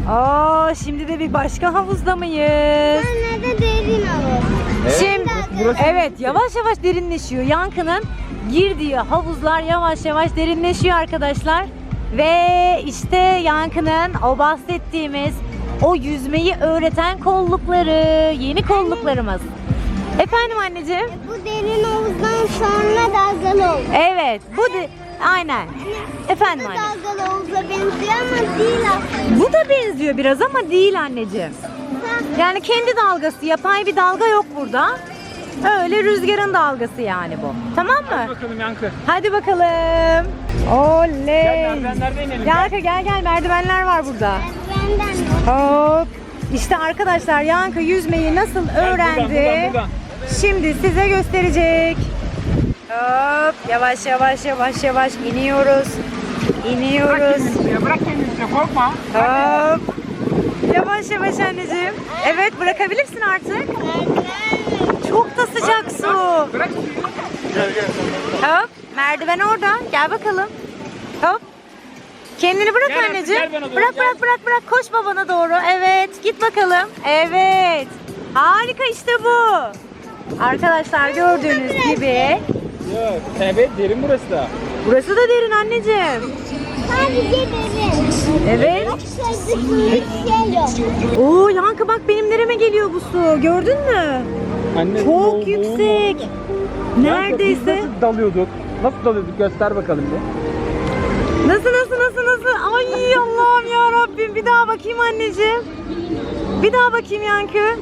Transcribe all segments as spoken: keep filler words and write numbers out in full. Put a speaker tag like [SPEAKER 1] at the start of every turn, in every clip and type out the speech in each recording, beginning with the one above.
[SPEAKER 1] Aa, şimdi de bir başka havuzda mıyız?
[SPEAKER 2] Sonra da derin havuz.
[SPEAKER 3] Evet,
[SPEAKER 1] Şimdi
[SPEAKER 3] burası-
[SPEAKER 1] evet, yavaş yavaş derinleşiyor. Yankı'nın girdiği havuzlar yavaş yavaş derinleşiyor arkadaşlar. Ve işte Yankı'nın o bahsettiğimiz o yüzmeyi öğreten kollukları, yeni kolluklarımız. Efendim anneciğim?
[SPEAKER 2] Bu derin havuzdan sonra dalgalı olur.
[SPEAKER 1] Evet, bu de aynen. Efendim
[SPEAKER 2] Bu
[SPEAKER 1] anne.
[SPEAKER 2] dalgalı havuza benziyor ama değil aslında.
[SPEAKER 1] Bu da benziyor biraz ama değil anneciğim. Yani kendi dalgası, yapay bir dalga yok burada. Öyle rüzgarın dalgası yani bu. Tamam mı?
[SPEAKER 3] Hadi bakalım Yankı.
[SPEAKER 1] Hadi bakalım. Oley.
[SPEAKER 3] Gel merdivenlerden inelim.
[SPEAKER 1] Yankı gel gel, merdivenler var burada.
[SPEAKER 2] Benden
[SPEAKER 1] Hop. İşte arkadaşlar Yankı yüzmeyi nasıl öğrendi?
[SPEAKER 3] buradan, buradan.
[SPEAKER 1] Şimdi size gösterecek. Hop, yavaş yavaş yavaş yavaş iniyoruz. İniyoruz.
[SPEAKER 3] Bırak kendini suya, bırak kendini suya, korkma.
[SPEAKER 1] Hop. Yavaş yavaş anneciğim. Evet, bırakabilirsin artık. Çok da sıcak su.
[SPEAKER 3] Bırak. Gel gel.
[SPEAKER 1] Hop. Merdiven orada. Gel bakalım. Hop. Kendini bırak
[SPEAKER 3] Gel artık,
[SPEAKER 1] anneciğim.
[SPEAKER 3] gel bana doğru,
[SPEAKER 1] Bırak
[SPEAKER 3] gel.
[SPEAKER 1] bırak bırak bırak. Koş babana doğru. Evet. Git bakalım. Evet. Harika, işte bu. Arkadaşlar gördüğünüz gibi.
[SPEAKER 3] Yok. Evet, derin burası da.
[SPEAKER 1] Burası da derin anneciğim.
[SPEAKER 2] sadece derin.
[SPEAKER 1] Evet.
[SPEAKER 2] Hiç şey yok.
[SPEAKER 1] Oo Yankı bak benim nereme geliyor bu su. Gördün mü?
[SPEAKER 3] Anne,
[SPEAKER 1] Çok
[SPEAKER 3] boğul-
[SPEAKER 1] yüksek.
[SPEAKER 3] boğul- Yankı,
[SPEAKER 1] Neredeyse.
[SPEAKER 3] biz nasıl dalıyorduk? Nasıl dalıyorduk? Göster bakalım bir.
[SPEAKER 1] Nasıl nasıl nasıl nasıl? Ay Allah'ım ya Rabbim. Bir daha bakayım anneciğim. Bir daha bakayım Yankı.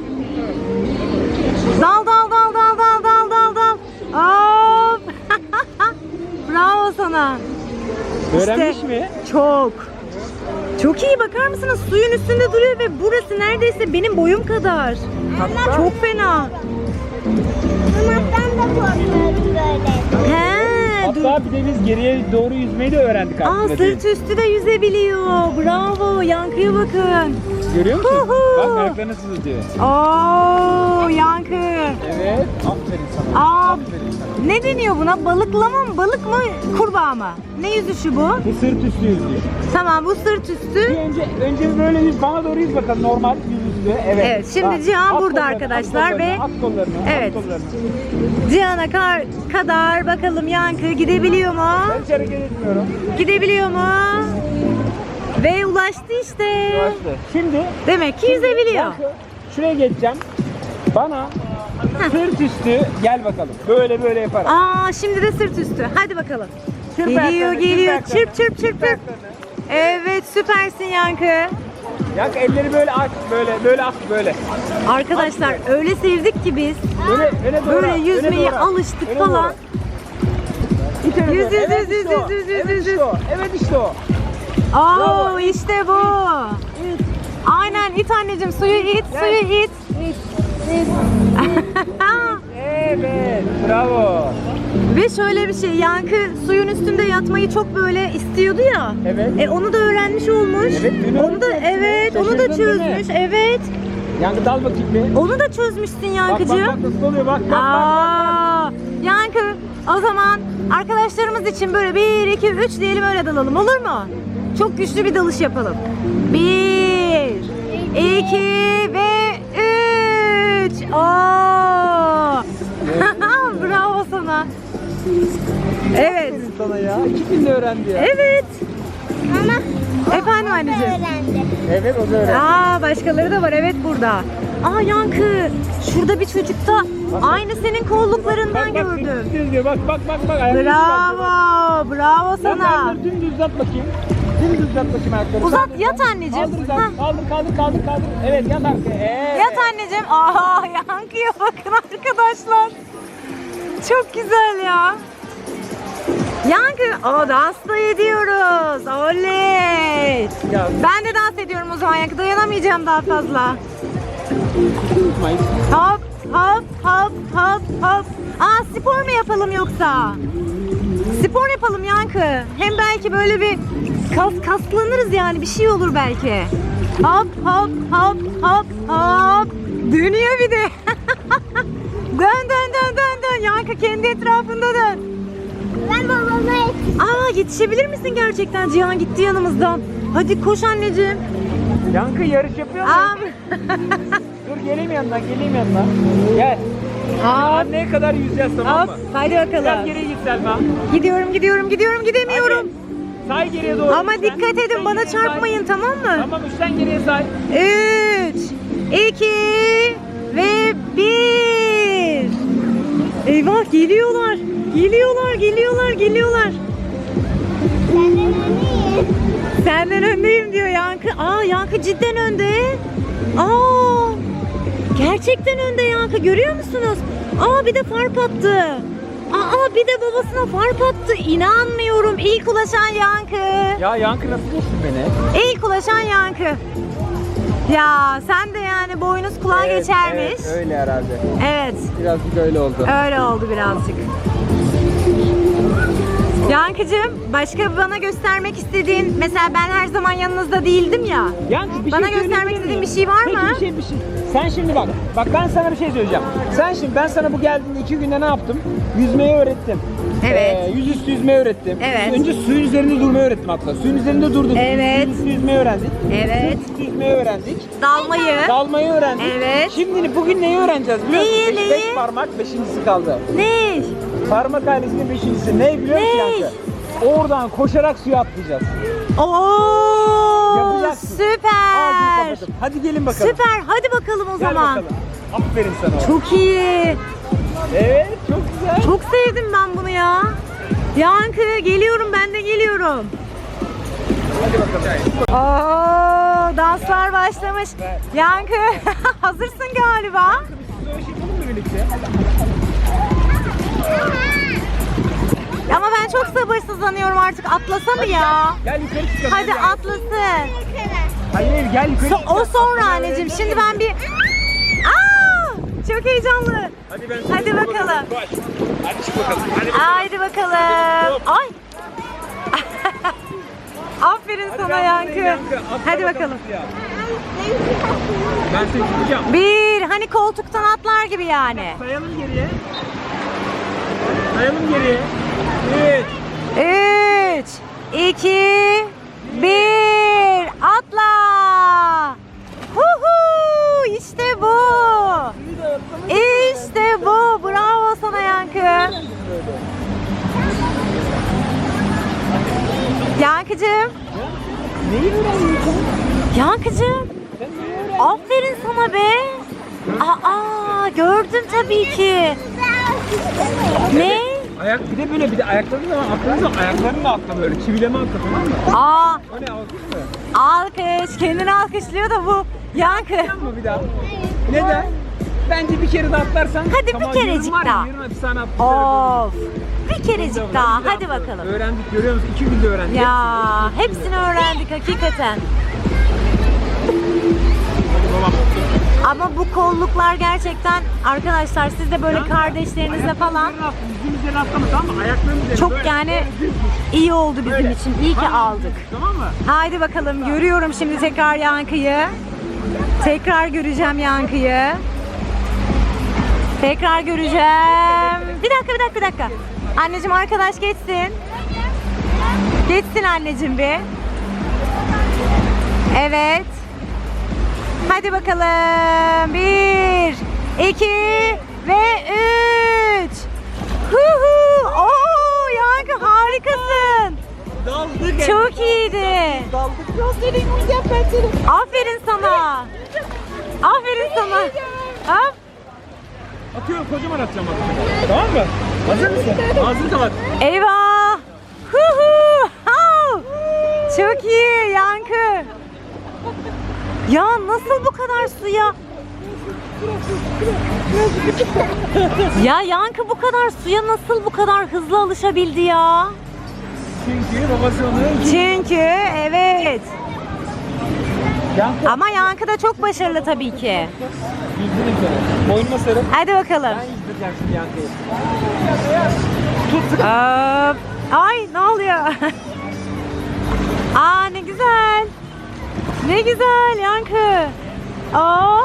[SPEAKER 1] Dal dal dal dal dal dal dal dal. Hop. Bravo sana.
[SPEAKER 3] Öğrenmiş
[SPEAKER 1] İşte,
[SPEAKER 3] mi?
[SPEAKER 1] Çok. Çok iyi, bakar mısınız? Suyun üstünde duruyor ve burası neredeyse benim boyum kadar.
[SPEAKER 3] Hatta-
[SPEAKER 1] Çok fena.
[SPEAKER 2] Mamaktan da korkuyorum böyle.
[SPEAKER 1] He, dur.
[SPEAKER 3] Hatta bir de biz geriye doğru yüzmeyi de öğrendik
[SPEAKER 1] Aa,
[SPEAKER 3] aslında.
[SPEAKER 1] sırt üstü de yüzebiliyor. Bravo. Yankıya bakın.
[SPEAKER 3] Görüyor musun?
[SPEAKER 1] Hu hu.
[SPEAKER 3] Bak ayakları nasıl tutuyor.
[SPEAKER 1] Oo, Yankı.
[SPEAKER 3] Evet. Aferin sana.
[SPEAKER 1] Aa,
[SPEAKER 3] Aferin sana.
[SPEAKER 1] ne deniyor buna? Balıklama mı? Balık mı? Kurbağa mı? Ne yüzüşü bu?
[SPEAKER 3] Bu sırt üstü yüzüyor.
[SPEAKER 1] Tamam, bu sırt
[SPEAKER 3] Bir
[SPEAKER 1] üstü.
[SPEAKER 3] önce önce böyle yüz, bana doğru yüz bakalım, normal yüz üstü. Evet.
[SPEAKER 1] Evet, şimdi
[SPEAKER 3] Bak,
[SPEAKER 1] Cihan
[SPEAKER 3] at
[SPEAKER 1] burada
[SPEAKER 3] kollarını,
[SPEAKER 1] arkadaşlar
[SPEAKER 3] at
[SPEAKER 1] ve-
[SPEAKER 3] kollarını, at kollarını,
[SPEAKER 1] Evet.
[SPEAKER 3] at kollarını.
[SPEAKER 1] Cihan'a kar kadar bakalım Yankı gidebiliyor mu?
[SPEAKER 3] Ben hiç hareket etmiyorum.
[SPEAKER 1] Gidebiliyor mu? Ve ulaştı işte.
[SPEAKER 3] Yavaşla. Şimdi
[SPEAKER 1] Demek ki yüzebiliyor.
[SPEAKER 3] Yankı, şuraya geçeceğim. Bana sırt üstü gel bakalım. Böyle böyle yaparak.
[SPEAKER 1] Aa, şimdi de sırt üstü. Hadi bakalım.
[SPEAKER 3] Çırp
[SPEAKER 1] Geliyor
[SPEAKER 3] ayaklarını,
[SPEAKER 1] geliyor.
[SPEAKER 3] çırp
[SPEAKER 1] Çırp çırp çırp çırp.
[SPEAKER 3] ayaklarını.
[SPEAKER 1] Evet, süpersin Yankı.
[SPEAKER 3] Yankı elleri böyle aç, böyle böyle at böyle.
[SPEAKER 1] Arkadaşlar öyle sevdik ki biz.
[SPEAKER 3] Böyle öne doğru.
[SPEAKER 1] Böyle
[SPEAKER 3] at,
[SPEAKER 1] yüzmeye
[SPEAKER 3] öne doğru at,
[SPEAKER 1] alıştık
[SPEAKER 3] öne
[SPEAKER 1] falan.
[SPEAKER 3] doğru. İt öne
[SPEAKER 1] Yüz,
[SPEAKER 3] doğru.
[SPEAKER 1] yüz,
[SPEAKER 3] Evet,
[SPEAKER 1] yüz,
[SPEAKER 3] işte o.
[SPEAKER 1] yüz, yüz, yüz,
[SPEAKER 3] Evet,
[SPEAKER 1] yüz,
[SPEAKER 3] işte o. Evet işte o.
[SPEAKER 1] Oo,
[SPEAKER 3] Bravo.
[SPEAKER 1] işte bu. Aynen, it anneciğim, suyu it, suyu it.
[SPEAKER 3] Evet, bravo.
[SPEAKER 1] Ve şöyle bir şey, Yankı suyun üstünde yatmayı çok böyle istiyordu ya.
[SPEAKER 3] Evet.
[SPEAKER 1] E onu da öğrenmiş olmuş.
[SPEAKER 3] Evet, dün
[SPEAKER 1] onu da
[SPEAKER 3] öğrendim.
[SPEAKER 1] evet, onu da
[SPEAKER 3] Şaşırdın değil mi?
[SPEAKER 1] çözmüş. Evet.
[SPEAKER 3] Yankı dal bakayım bir.
[SPEAKER 1] Onu da çözmüşsün
[SPEAKER 3] Bak bak
[SPEAKER 1] Yankıcığım.
[SPEAKER 3] bak nasıl oluyor bak bak bak. bak.
[SPEAKER 1] Aa, Yankı, o zaman arkadaşlarımız için böyle bir, iki, üç diyelim, öyle dalalım, olur mu? Çok güçlü bir dalış yapalım. Bir, iki ve üç. Aa. Bravo sana. Evet.
[SPEAKER 3] Aferin sana ya. İki günde öğrendi ya.
[SPEAKER 1] Evet.
[SPEAKER 2] Ama
[SPEAKER 1] Efendim anneciğim.
[SPEAKER 2] öğrendi.
[SPEAKER 3] Evet o da öğrendi.
[SPEAKER 1] Aa, başkaları da var, evet, burada. Aa Yankı, şurada bir çocukta aynı senin kolluklarından
[SPEAKER 3] Bak bak
[SPEAKER 1] gördüm.
[SPEAKER 3] düz diyor. Bak bak bak bak. Ayaklarını
[SPEAKER 1] Bravo, bravo
[SPEAKER 3] Sen
[SPEAKER 1] sana.
[SPEAKER 3] ayakları dümdüz uzat bakayım. Dümdüz uzat bakayım ayakları.
[SPEAKER 1] Uzat,
[SPEAKER 3] Sadece.
[SPEAKER 1] yat anneciğim.
[SPEAKER 3] Kaldır uzat.
[SPEAKER 1] Hah.
[SPEAKER 3] Kaldır kaldır kaldır kaldır. Evet yat arkaya. Evet.
[SPEAKER 1] Yat anneciğim. Aa, Yankı'ya bakın arkadaşlar. Çok güzel ya. Yankı, o dans da ediyoruz. Oley.
[SPEAKER 3] Ya.
[SPEAKER 1] Ben de dans ediyorum o zaman Yankı. Dayanamayacağım daha fazla.
[SPEAKER 3] Unutmayın.
[SPEAKER 1] Hop hop hop hop hop. Aa, spor mu yapalım yoksa? Spor yapalım Yankı. Hem belki böyle bir kas kaslanırız yani, bir şey olur belki. Hop hop hop hop hop. Dönüyor bir de. Dön dön dön dön dön. Yankı kendi etrafında dön.
[SPEAKER 2] Ben babama yetiştim.
[SPEAKER 1] Aa, yetişebilir misin gerçekten? Cihan gitti yanımızdan. Hadi koş anneciğim.
[SPEAKER 3] Yankı yarış yapıyor mu?
[SPEAKER 1] Am.
[SPEAKER 3] Dur geleyim yanına, geleyim yanına. Gel.
[SPEAKER 1] Am.
[SPEAKER 3] Anneye kadar yüzeceğiz, tamam mı?
[SPEAKER 1] Hop, hadi
[SPEAKER 3] Biraz
[SPEAKER 1] bakalım.
[SPEAKER 3] geriye git Selma.
[SPEAKER 1] Gidiyorum, gidiyorum, gidiyorum, gidemiyorum.
[SPEAKER 3] Hadi. Say geriye doğru.
[SPEAKER 1] Ama
[SPEAKER 3] üçten.
[SPEAKER 1] dikkat edin,
[SPEAKER 3] Üçten
[SPEAKER 1] bana
[SPEAKER 3] geriye
[SPEAKER 1] çarpmayın,
[SPEAKER 3] say.
[SPEAKER 1] tamam mı?
[SPEAKER 3] Tamam, üçten geriye say.
[SPEAKER 1] Üç, iki ve bir. Eyvah, geliyorlar. Geliyorlar, geliyorlar, geliyorlar.
[SPEAKER 2] Senden öndeyim.
[SPEAKER 1] Senden öndeyim diyor Yankı. Aa, Yankı cidden önde. Aa, gerçekten önde Yankı, görüyor musunuz? Aa, bir de fark attı. Aa, bir de babasına fark attı. İnanmıyorum. İlk ulaşan Yankı.
[SPEAKER 3] Ya Yankı nasıl geçtin beni?
[SPEAKER 1] İlk ulaşan Yankı. Ya sen de yani boynuz kulağa
[SPEAKER 3] Evet,
[SPEAKER 1] geçermiş.
[SPEAKER 3] Evet, öyle herhalde.
[SPEAKER 1] Evet.
[SPEAKER 3] Birazcık öyle oldu.
[SPEAKER 1] Öyle oldu birazcık. Yankıcığım, başka bana göstermek istediğin, mesela ben her zaman yanınızda değildim ya.
[SPEAKER 3] Yankı, bir
[SPEAKER 1] Bana
[SPEAKER 3] şey
[SPEAKER 1] göstermek
[SPEAKER 3] söyleyebilir
[SPEAKER 1] istediğin
[SPEAKER 3] miyim?
[SPEAKER 1] bir şey var
[SPEAKER 3] Peki,
[SPEAKER 1] mı?
[SPEAKER 3] bir şey bir şey. Sen şimdi bak. Bak ben sana bir şey söyleyeceğim. Sen şimdi ben sana bu geldiğinde iki günde ne yaptım? Yüzmeyi öğrettim.
[SPEAKER 1] Evet.
[SPEAKER 3] Ee, yüzüstü yüzmeyi öğrettim.
[SPEAKER 1] Evet.
[SPEAKER 3] Önce suyun üzerinde durmayı öğrettim hatta. Suyun üzerinde durduk.
[SPEAKER 1] Evet.
[SPEAKER 3] Yüzüstü yüzmeyi öğrendik.
[SPEAKER 1] Evet.
[SPEAKER 3] Yüzüstü yüzmeyi öğrendik.
[SPEAKER 1] Dalmayı.
[SPEAKER 3] Dalmayı öğrendik.
[SPEAKER 1] Evet.
[SPEAKER 3] Şimdi bugün neyi öğreneceğiz biliyor musun?
[SPEAKER 1] Neyi,
[SPEAKER 3] Beş,
[SPEAKER 1] neyi?
[SPEAKER 3] beş parmak, beşincisi kaldı.
[SPEAKER 1] Ne?
[SPEAKER 3] Parmak ailesinin beşincisi. Ne biliyor musun
[SPEAKER 1] Ne?
[SPEAKER 3] Yankı? Oradan koşarak suya atlayacağız.
[SPEAKER 1] Oo,
[SPEAKER 3] Yapacaksın. Ağzını
[SPEAKER 1] süper.
[SPEAKER 3] kapatıp. Hadi gelin bakalım.
[SPEAKER 1] Süper. Hadi bakalım o
[SPEAKER 3] Gel
[SPEAKER 1] zaman.
[SPEAKER 3] bakalım. Aferin sana.
[SPEAKER 1] Çok iyi.
[SPEAKER 3] Evet, çok güzel.
[SPEAKER 1] Çok sevdim ben bunu ya. Yankı, geliyorum, ben de geliyorum.
[SPEAKER 3] Hadi bakalım.
[SPEAKER 1] Oo, danslar başlamış. Yankı, hazırsın galiba.
[SPEAKER 3] Biz böyle şey yapalım mı birlikte?
[SPEAKER 1] Ama ben çok sabırsızlanıyorum artık. Atlasa mı ya?
[SPEAKER 3] Gel yukarı çıkalım.
[SPEAKER 1] Hadi
[SPEAKER 3] gel.
[SPEAKER 1] atlasın.
[SPEAKER 3] Hayır hayır gel yukarı
[SPEAKER 1] So-
[SPEAKER 3] çıkalım.
[SPEAKER 1] o sonra
[SPEAKER 3] Atlamaya
[SPEAKER 1] anneciğim.
[SPEAKER 3] öğreneceğiz
[SPEAKER 1] Şimdi
[SPEAKER 3] ya.
[SPEAKER 1] ben bir... Aa, çok heyecanlı.
[SPEAKER 3] Hadi, ben
[SPEAKER 1] Hadi bakalım.
[SPEAKER 3] Koş. Hadi çık bakalım. Hadi bakalım.
[SPEAKER 1] Haydi bakalım. Ay. Aferin
[SPEAKER 3] Hadi
[SPEAKER 1] sana
[SPEAKER 3] ben
[SPEAKER 1] Yankı.
[SPEAKER 3] buradayım Yankı. Atla
[SPEAKER 1] Hadi bakalım.
[SPEAKER 3] suya. Ben seni tutacağım.
[SPEAKER 1] Bir, hani koltuktan atlar gibi yani.
[SPEAKER 3] Sayalım geriye. Sayalım geriye. Üç.
[SPEAKER 1] Üç, iki, bir, atla. Huhu, işte bu. İşte bu. Bravo sana Yankı. Yankıcığım.
[SPEAKER 3] Neyi öğreniyorsun?
[SPEAKER 1] Yankıcığım.
[SPEAKER 3] Sen neyi öğrendin?
[SPEAKER 1] Aferin sana be. Aa, gördüm tabii ki. Ne?
[SPEAKER 3] Ayak bir de böyle bir de ayaklarını zaman atladığın zaman ayaklarını da atla böyle çivileme atla, tamam mı?
[SPEAKER 1] Aa,
[SPEAKER 3] O ne, alkış mı?
[SPEAKER 1] alkış. Kendini alkışlıyor da bu. Yankı.
[SPEAKER 3] Yapma bir daha. Neden? Bence bir kere de atlarsan.
[SPEAKER 1] Hadi bir
[SPEAKER 3] tamam,
[SPEAKER 1] kerecik
[SPEAKER 3] yarın var ya,
[SPEAKER 1] daha.
[SPEAKER 3] Yarın hapishane atlarız.
[SPEAKER 1] Of. Bir kerecik daha. Hadi bakalım.
[SPEAKER 3] Öğrendik, görüyor musun? İki günde öğrendik.
[SPEAKER 1] Ya hepsini öğrendik hakikaten.
[SPEAKER 3] Hadi babam.
[SPEAKER 1] Ama bu kolluklar gerçekten arkadaşlar, siz de böyle
[SPEAKER 3] Ya,
[SPEAKER 1] kardeşlerinizle falan
[SPEAKER 3] ayaklarının atla, yüzün üzerine atlama, tamam mı? Ayaklarının üzerine
[SPEAKER 1] çok
[SPEAKER 3] böyle,
[SPEAKER 1] yani
[SPEAKER 3] böyle düz düz.
[SPEAKER 1] iyi oldu bizim
[SPEAKER 3] Böyle.
[SPEAKER 1] için. İyi ki
[SPEAKER 3] Aynen,
[SPEAKER 1] aldık.
[SPEAKER 3] Tamam mı?
[SPEAKER 1] Haydi bakalım, görüyorum şimdi tekrar Yankı'yı. Tekrar göreceğim Yankı'yı. Tekrar göreceğim. Bir dakika, bir dakika, bir dakika. Anneciğim, arkadaş geçsin. Geçsin anneciğim bir. Evet. Hadi bakalım. Bir, iki ve üç. Huhu. Oo, Yankı harikasın.
[SPEAKER 3] Daldık.
[SPEAKER 1] Çok iyiydi.
[SPEAKER 3] Daldık. Gözlerin uyuyacağım ben seni.
[SPEAKER 1] Aferin sana. Aferin sana. Hop.
[SPEAKER 3] Atıyorum, kocaman atacağım bak. Tamam mı? Hazır mısın? Ağzını kapat.
[SPEAKER 1] Eyvah. Huhu. Hav. Çok iyi Yankı. Ya nasıl bu kadar suya? Ya Yankı bu kadar suya nasıl bu kadar hızlı alışabildi ya?
[SPEAKER 3] Çünkü babası onu...
[SPEAKER 1] Çünkü evet.
[SPEAKER 3] Yankı.
[SPEAKER 1] Ama Yankı da çok başarılı tabii ki.
[SPEAKER 3] Yüzdürüm seni. Boynuma sarıl.
[SPEAKER 1] Hadi bakalım.
[SPEAKER 3] Ben yüzdüreceğim şimdi Yankı'yı. Tut sıkı.
[SPEAKER 1] Hop. Ay, ne oluyor? Aa, ne güzel. Ne güzel Yankı. Aa.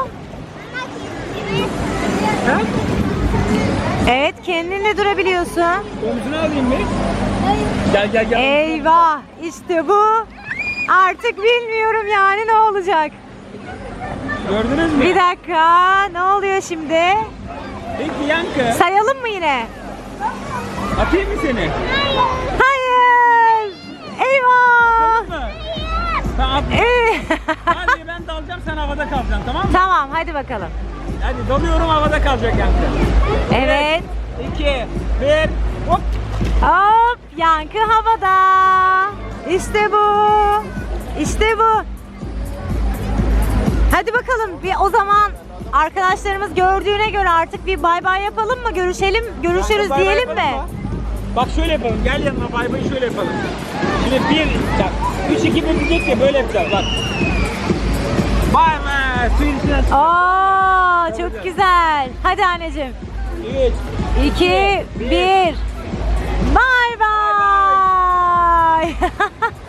[SPEAKER 3] Ha?
[SPEAKER 1] Evet, kendinle durabiliyorsun.
[SPEAKER 3] Omzunu alayım mı? Gel gel gel.
[SPEAKER 1] Eyvah, işte bu. Artık bilmiyorum yani ne olacak.
[SPEAKER 3] Gördünüz mü?
[SPEAKER 1] Bir dakika. Ne oluyor şimdi?
[SPEAKER 3] Peki Yankı.
[SPEAKER 1] Sayalım mı yine?
[SPEAKER 3] Atayım mı seni?
[SPEAKER 1] Hayır. Eyvah.
[SPEAKER 3] Tamam mı? Tamam.
[SPEAKER 1] Evet.
[SPEAKER 3] Hadi ben dalacağım, sen havada kalacaksın, tamam mı?
[SPEAKER 1] Tamam hadi bakalım.
[SPEAKER 3] Hadi dalıyorum, havada kalacak Yankı.
[SPEAKER 1] Evet.
[SPEAKER 3] iki, bir, hop.
[SPEAKER 1] Hop, Yankı havada. İşte bu. İşte bu. Hadi bakalım bir o zaman arkadaşlarımız gördüğüne göre artık bir bay bay yapalım mı? Görüşelim, görüşürüz
[SPEAKER 3] Yankı, bay bay
[SPEAKER 1] diyelim
[SPEAKER 3] yapalım
[SPEAKER 1] mi?
[SPEAKER 3] mı? Bak şöyle yapalım, gel yanıma, bay bay şöyle yapalım. Şimdi bir, bak, üç, iki, bir diyecek ya, böyle yapacağız bak. Bay bay, suyun içine çık.
[SPEAKER 1] Oo, çok güzel. Hadi anneciğim.
[SPEAKER 3] üç,
[SPEAKER 1] iki, bir. Bay bay.